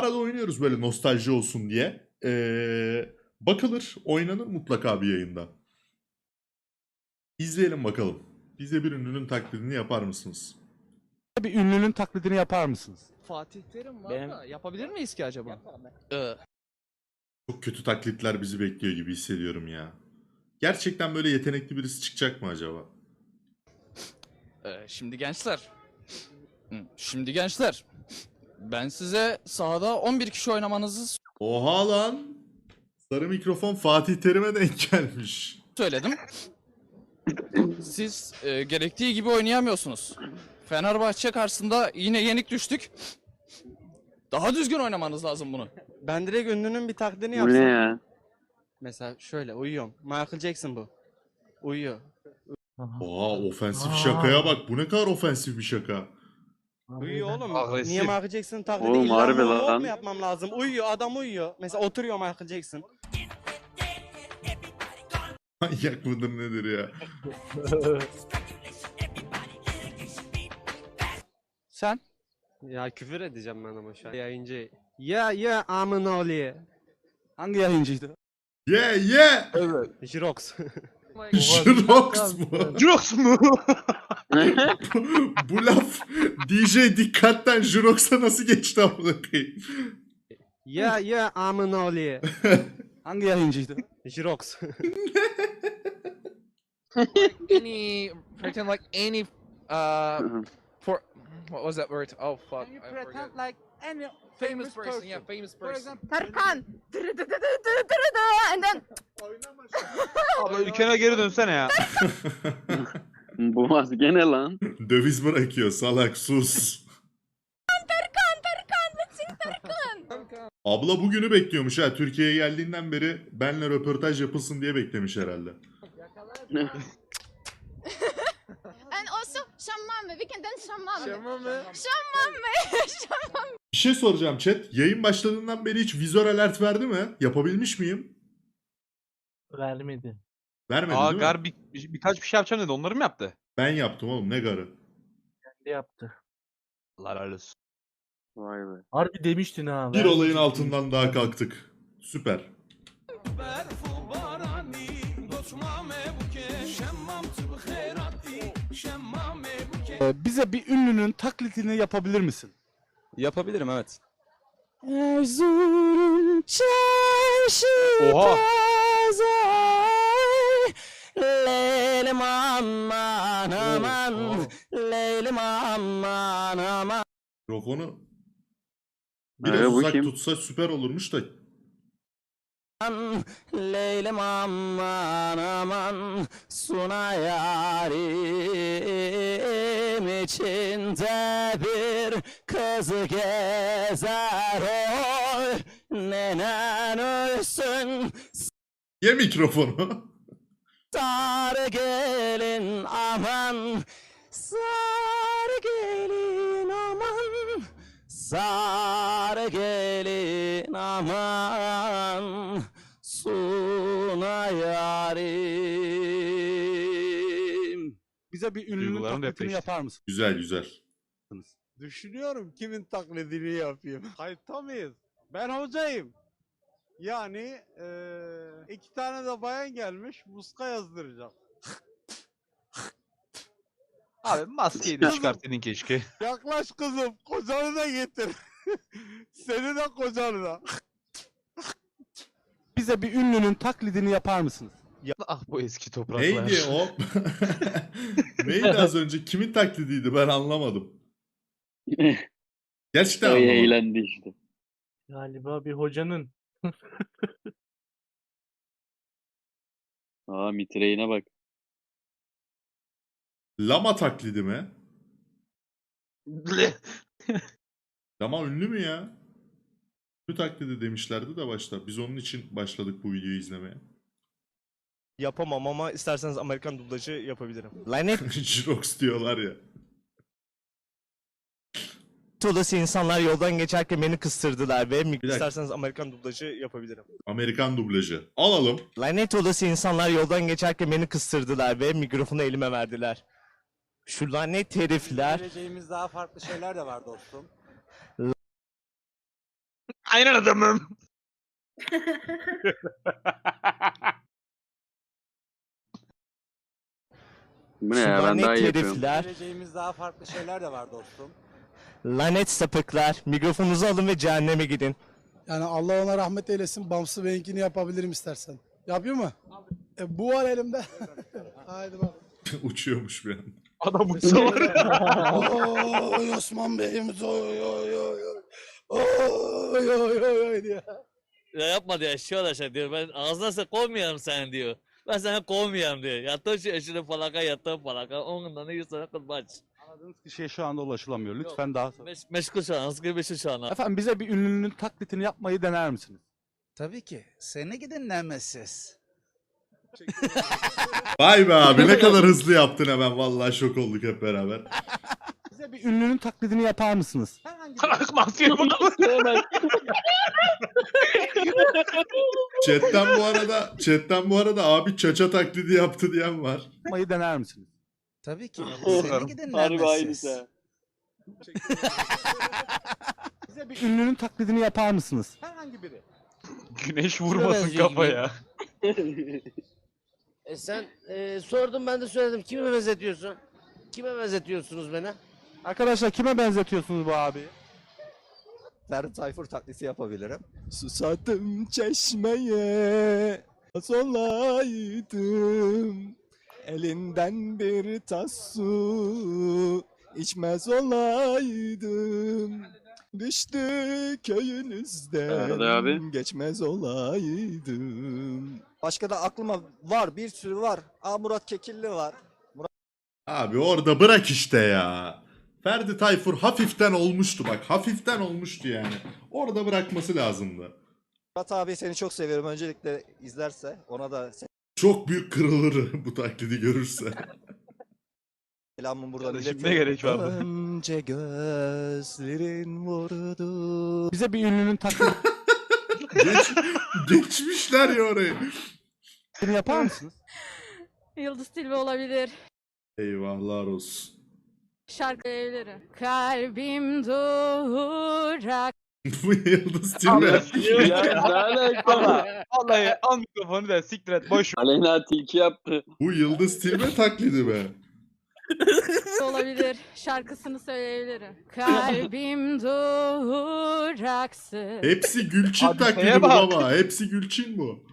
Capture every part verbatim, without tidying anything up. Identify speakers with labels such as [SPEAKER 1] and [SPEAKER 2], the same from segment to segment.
[SPEAKER 1] arada oynuyoruz böyle nostalji olsun diye. Ee, bakılır, oynanır mutlaka bir yayında. İzleyelim bakalım. Bize bir ünlünün taklidini yapar mısınız?
[SPEAKER 2] Bir ünlünün taklidini yapar mısınız?
[SPEAKER 3] Fatih Terim var
[SPEAKER 4] Benim-
[SPEAKER 3] da yapabilir miyiz ki acaba?
[SPEAKER 4] Ee,
[SPEAKER 1] Çok kötü taklitler bizi bekliyor gibi hissediyorum ya. Gerçekten böyle yetenekli birisi çıkacak mı acaba?
[SPEAKER 4] e, şimdi gençler. Hı, Şimdi gençler. Ben size sahada on bir kişi oynamanızı
[SPEAKER 1] Oha lan! Sarı mikrofon Fatih Terim'e denk gelmiş.
[SPEAKER 4] söyledim. Siz e, gerektiği gibi oynayamıyorsunuz. Fenerbahçe karşısında yine yenik düştük. Daha düzgün oynamanız lazım bunu.
[SPEAKER 3] Ben direkt ünlünün bir taklidini
[SPEAKER 5] Bu
[SPEAKER 3] yapsam.
[SPEAKER 5] ne ya?
[SPEAKER 3] Mesela şöyle uyuyorum. Michael Jackson bu. Uyuyor.
[SPEAKER 1] Oha ofensif şakaya bak. Bu ne kadar ofensif bir şaka.
[SPEAKER 3] Uyuyor oğlum.
[SPEAKER 6] Agresif.
[SPEAKER 3] Niye Michael Jackson'ın taklidi
[SPEAKER 5] Oğlum,
[SPEAKER 3] illa
[SPEAKER 5] harbi
[SPEAKER 3] monolog
[SPEAKER 5] lan.
[SPEAKER 3] mu yapmam lazım? Uyuyor, adam uyuyor. Mesela oturuyor Michael Jackson.
[SPEAKER 1] Manyak mıdır nedir ya?
[SPEAKER 4] Sen?
[SPEAKER 7] Ya küfür edeceğim ben ama şu an yayıncı. Ya ya amın oğlu.
[SPEAKER 2] Hangi yayıncıydı?
[SPEAKER 1] Yeah yeah!
[SPEAKER 7] Jirox.
[SPEAKER 1] Jirox mu?
[SPEAKER 6] Jirox mu?
[SPEAKER 1] Bu laf D J dikkatten Jirox'a nasıl geçti amına koyayım?
[SPEAKER 7] Ya ya amın oğlu.
[SPEAKER 2] Hangi yayıncıydı?
[SPEAKER 7] Jirox.
[SPEAKER 4] Any pretend like any uh for what was that word? Oh fuck. I forgot.
[SPEAKER 3] like any
[SPEAKER 4] Famous person, yeah, famous person.
[SPEAKER 8] Tarkan. Dırı dı dı dı dı dı dı. And then
[SPEAKER 6] Abla ülkene geri dönsene ya.
[SPEAKER 5] Bu maske ne lan?
[SPEAKER 1] Döviz bırakıyor salak sus.
[SPEAKER 8] Tarkan Tarkan. Let's sing Tarkan.
[SPEAKER 1] Abla bugünü bekliyormuş ha. Türkiye'ye geldiğinden beri benle röportaj yapılsın diye beklemiş herhalde.
[SPEAKER 8] And also şammame. We can dance şammame.
[SPEAKER 3] Şammame.
[SPEAKER 8] Şammame. Şammame.
[SPEAKER 1] Bir şey soracağım chat. Yayın başladığından beri hiç vizör alert verdi mi? Yapabilmiş miyim?
[SPEAKER 9] Vermedi.
[SPEAKER 1] Vermedi
[SPEAKER 6] Aa
[SPEAKER 1] değil mi?
[SPEAKER 6] Gar bir, bir- birkaç bir şey yapacağım dedi. Onları mı yaptı?
[SPEAKER 1] Ben yaptım oğlum ne garı.
[SPEAKER 9] Kendi yaptı.
[SPEAKER 6] Allah razı olsun.
[SPEAKER 5] Vay be.
[SPEAKER 9] Harbi demiştin ha.
[SPEAKER 1] Bir
[SPEAKER 9] vermedi
[SPEAKER 1] olayın
[SPEAKER 9] demiştin.
[SPEAKER 1] altından daha kalktık. Süper.
[SPEAKER 2] Ee, bize bir ünlünün taklidini yapabilir misin?
[SPEAKER 3] Yapabilirim evet.
[SPEAKER 4] Erzurum çarşı
[SPEAKER 6] Oha.
[SPEAKER 4] pazar Leylim aman aman
[SPEAKER 1] Oo.
[SPEAKER 4] Leylim aman aman.
[SPEAKER 1] Mikrofonu biraz
[SPEAKER 5] Ee, bu
[SPEAKER 1] uzak
[SPEAKER 5] kim?
[SPEAKER 1] tutsa süper olurmuş da.
[SPEAKER 4] Leylim aman aman Suna yarim içinde bir kız gezer oy Nenen ölsün
[SPEAKER 1] Ye mikrofonu.
[SPEAKER 4] sarı gelin aman Sarı gelin aman Sarı gelin aman Suna yarim.
[SPEAKER 2] Bize bir ünlünün
[SPEAKER 6] Duygularım
[SPEAKER 2] taklidini
[SPEAKER 6] depreşti.
[SPEAKER 2] yapar mısın?
[SPEAKER 1] Güzel güzel.
[SPEAKER 3] Düşünüyorum kimin taklidini yapayım. Kayıtta mıyız? Ben hocayım. Yani eee iki tane de bayan gelmiş muska yazdıracak.
[SPEAKER 6] Abi maskeyi de çıkartsaydın keşke.
[SPEAKER 3] Yaklaş kızım, kocanı da getir. Seni de kocanı da.
[SPEAKER 2] Bize bir ünlünün taklidini yapar mısınız?
[SPEAKER 6] Ah bu eski topraklar.
[SPEAKER 1] Neydi o? Neydi az önce? Kimin taklidiydi ben anlamadım. Gerçekten
[SPEAKER 5] Ay
[SPEAKER 1] anlamadım.
[SPEAKER 5] eğlendi işte.
[SPEAKER 9] Galiba bir hocanın.
[SPEAKER 5] Aa mitreğine bak.
[SPEAKER 1] Lama taklidi mi? Lama ünlü mü ya? Ünlü taklidi demişlerdi de başta. Biz onun için başladık bu videoyu izlemeye.
[SPEAKER 3] Yapamam ama isterseniz Amerikan dublajı yapabilirim.
[SPEAKER 4] Lanet
[SPEAKER 1] Jirox diyorlar ya.
[SPEAKER 4] olası insanlar yoldan geçerken beni kıstırdılar ve
[SPEAKER 1] Bir dakika.
[SPEAKER 3] İsterseniz Amerikan dublajı yapabilirim.
[SPEAKER 1] Amerikan dublajı. Alalım.
[SPEAKER 4] lanet olası insanlar yoldan geçerken beni kıstırdılar ve mikrofonu elime verdiler. Şu lanet herifler
[SPEAKER 3] Geleceğimiz daha farklı şeyler de var dostum.
[SPEAKER 6] Aynen adamım.
[SPEAKER 5] Bu ne ya, ben daha iyi yapıyorum.
[SPEAKER 3] Geleceğimiz daha farklı şeyler de var dostum.
[SPEAKER 10] Lanet sapıklar. Mikrofonunuzu alın ve cehenneme gidin.
[SPEAKER 11] Yani Allah ona rahmet eylesin. Bamsı Bey'inkini yapabilirim istersen. Yapıyor mu? E, bu var elimde. Haydi bak.
[SPEAKER 1] Uçuyormuş bir an.
[SPEAKER 6] Adam uçsa var ya.
[SPEAKER 11] Oy Osman Bey'imiz oy oy oy oy. Oy oy oy oy diye.
[SPEAKER 10] Ya yapma diyor eşya aşağı diyor. Ben ağzına sen kovmayalım sen diyor. Ben sana kovmayalım diyor. Yattığın şu eşini falaka yattığın falaka. Onunla ne sana kılmaç.
[SPEAKER 2] Aradığınız kişiye şu anda ulaşılamıyor. Lütfen daha sonra.
[SPEAKER 10] Meş meşgul şu an. Sıkı meşgul şu an.
[SPEAKER 2] Efendim bize bir ünlünün taklitini yapmayı dener misiniz?
[SPEAKER 3] Tabii ki. Seni gidin Nemesis.
[SPEAKER 1] Vay be abi ne kadar hızlı yaptın hemen. Vallahi şok olduk hep beraber.
[SPEAKER 2] Bize bir ünlünün taklidini yapar mısınız?
[SPEAKER 6] Maskeyi bulalım.
[SPEAKER 1] Chatten bu arada chatten bu arada abi çaça taklidi yaptı diyen var.
[SPEAKER 2] Yapmayı dener misiniz?
[SPEAKER 3] Tabii ki.
[SPEAKER 6] Seni
[SPEAKER 3] gidin
[SPEAKER 5] Harbi aynısı.
[SPEAKER 2] Bize bir ünlünün taklidini yapar mısınız?
[SPEAKER 3] Herhangi biri.
[SPEAKER 6] Güneş vurmasın kafaya.
[SPEAKER 10] E sen e, sordum ben de söyledim. Kime benzetiyorsun? Kime benzetiyorsunuz beni?
[SPEAKER 2] Arkadaşlar kime benzetiyorsunuz bu abi?
[SPEAKER 10] Ferdi Tayfur taklidi yapabilirim.
[SPEAKER 11] Susadım çeşmeye. Olaydım. Elinden bir tas su içmez olaydım. Düştü köyünüzden
[SPEAKER 5] Ferdi abi.
[SPEAKER 11] geçmez olaydım. Başka da aklıma var, bir sürü var. Aa, Murat Kekilli var.
[SPEAKER 1] Abi orada bırak işte ya. Ferdi Tayfur hafiften olmuştu bak. Hafiften olmuştu yani. Orada bırakması lazımdı.
[SPEAKER 11] Murat abi seni çok seviyorum. Öncelikle izlerse ona da
[SPEAKER 1] Çok büyük kırılır bu taklidi görürse.
[SPEAKER 11] selamımı buradan
[SPEAKER 6] Kardeşim,
[SPEAKER 11] iletiyorum.
[SPEAKER 6] ne gerek vardı?
[SPEAKER 11] Önce gözlerin vurdu.
[SPEAKER 2] Bize bir ünlünün taklidini
[SPEAKER 1] Geç, geçmişler ya orayı.
[SPEAKER 2] yapar mısınız?
[SPEAKER 8] Yıldız Tilbe olabilir.
[SPEAKER 1] Eyvahlar olsun.
[SPEAKER 8] Şarkı evleri. Kalbim durak.
[SPEAKER 1] Bu Yıldız Tilbe.
[SPEAKER 5] Ya ne alaka?
[SPEAKER 6] Vallahi al mikrofonu da siktir et boş ver.
[SPEAKER 5] Aleyna tilki yaptı.
[SPEAKER 1] Bu Yıldız Tilbe taklidi be.
[SPEAKER 8] olabilir. Şarkısını söyleyebilirim. Kalbim duraksız.
[SPEAKER 1] Hepsi Gülçin
[SPEAKER 6] Abi
[SPEAKER 1] taklidi
[SPEAKER 6] şeye
[SPEAKER 1] bu
[SPEAKER 6] bak.
[SPEAKER 1] baba. Hepsi Gülçin bu.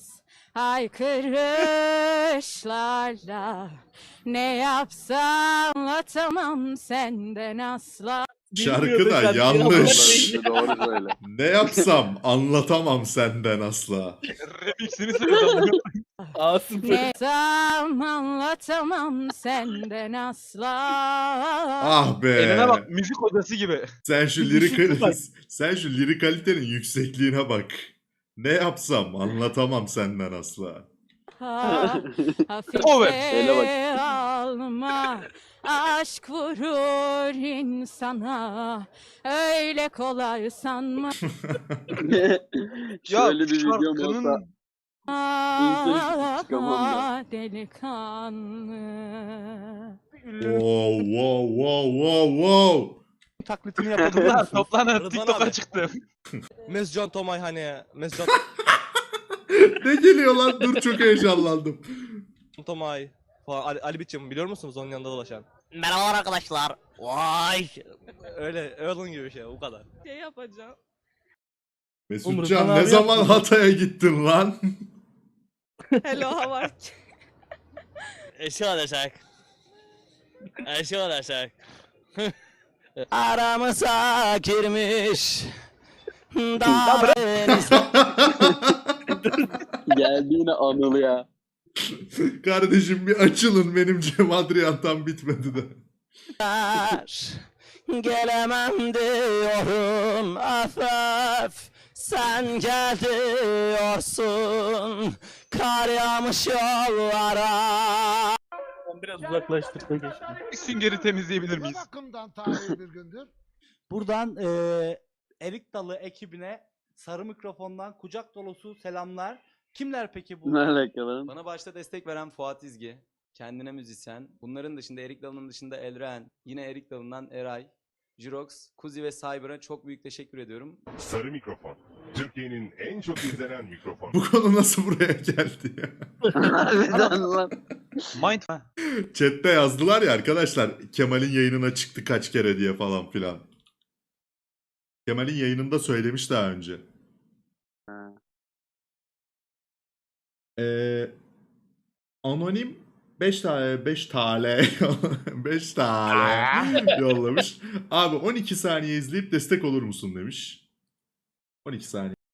[SPEAKER 8] Haykırışlarla ne yapsam anlatamam senden asla.
[SPEAKER 1] Şarkı da yanlış.
[SPEAKER 5] Doğru söyle.
[SPEAKER 1] Ne yapsam anlatamam senden asla.
[SPEAKER 6] Remix'ini söyle.
[SPEAKER 8] Ne yapsam anlatamam senden asla.
[SPEAKER 1] Ah be.
[SPEAKER 6] Eline bak müzik hocası gibi.
[SPEAKER 1] Sen şu lirik sen şu lirik kalitenin yüksekliğine bak. Ne yapsam anlatamam senden asla.
[SPEAKER 8] Ha,
[SPEAKER 6] Over.
[SPEAKER 5] Ele
[SPEAKER 8] hafife alma. Aşk vurur insana. Öyle kolay sanma.
[SPEAKER 5] Şöyle bir videom
[SPEAKER 6] şarkının
[SPEAKER 5] olsa
[SPEAKER 8] Ah,
[SPEAKER 5] çıkamam
[SPEAKER 8] delikanlı.
[SPEAKER 1] Wow wow wow wow wow.
[SPEAKER 2] Taklitini yapabilir
[SPEAKER 6] Lan
[SPEAKER 2] misiniz?
[SPEAKER 6] toplanın TikTok'a çıktım.
[SPEAKER 10] Mescan Tomay hani Mescan
[SPEAKER 1] Ne geliyor lan? Dur çok heyecanlandım.
[SPEAKER 10] Tomay falan Ali, Ali Biçim biliyor musunuz onun yanında dolaşan? Merhabalar arkadaşlar. Vay. Öyle öyle onun gibi bir şey bu kadar.
[SPEAKER 8] Şey yapacağım.
[SPEAKER 1] Mesutcan ne zaman Hatay'a gittin lan?
[SPEAKER 8] Hello how are
[SPEAKER 10] Eşi olacak. Eşi olacak. Aramıza girmiş.
[SPEAKER 5] geldiğine anıl ya.
[SPEAKER 1] Kardeşim bir açılın benim Cem Adrian tam bitmedi de.
[SPEAKER 10] Gelemem diyorum af af. Sen gel diyorsun. Kar yağmış yollara.
[SPEAKER 9] Biraz uzaklaştık da geçtim.
[SPEAKER 6] Bir süngeri temizleyebilir miyiz?
[SPEAKER 11] bakımdan tarihi bir gündür.
[SPEAKER 2] Buradan eee Erik Dalı ekibine sarı mikrofondan kucak dolusu selamlar. Kimler peki bu?
[SPEAKER 5] Ne alaka lan?
[SPEAKER 10] Bana başta destek veren Fuat İzgi, kendine müzisyen. Bunların dışında Erik Dalı'nın dışında Elren, yine Erik Dalı'ndan Eray.
[SPEAKER 12] Jirox, Kuzi ve Cyber'a çok büyük teşekkür ediyorum.
[SPEAKER 13] Sarı mikrofon. Türkiye'nin en çok izlenen mikrofonu.
[SPEAKER 1] Bu konu nasıl buraya geldi ya?
[SPEAKER 5] Harbiden lan.
[SPEAKER 6] Mind
[SPEAKER 1] Chat'te yazdılar ya arkadaşlar Kemal'in yayınına çıktı kaç kere diye falan filan. Kemal'in yayınında söylemiş daha önce.
[SPEAKER 5] Ha.
[SPEAKER 1] Ee, anonim beş tane beş tane beş tane yollamış. Abi on iki saniye izleyip destek olur musun demiş. on iki saniye.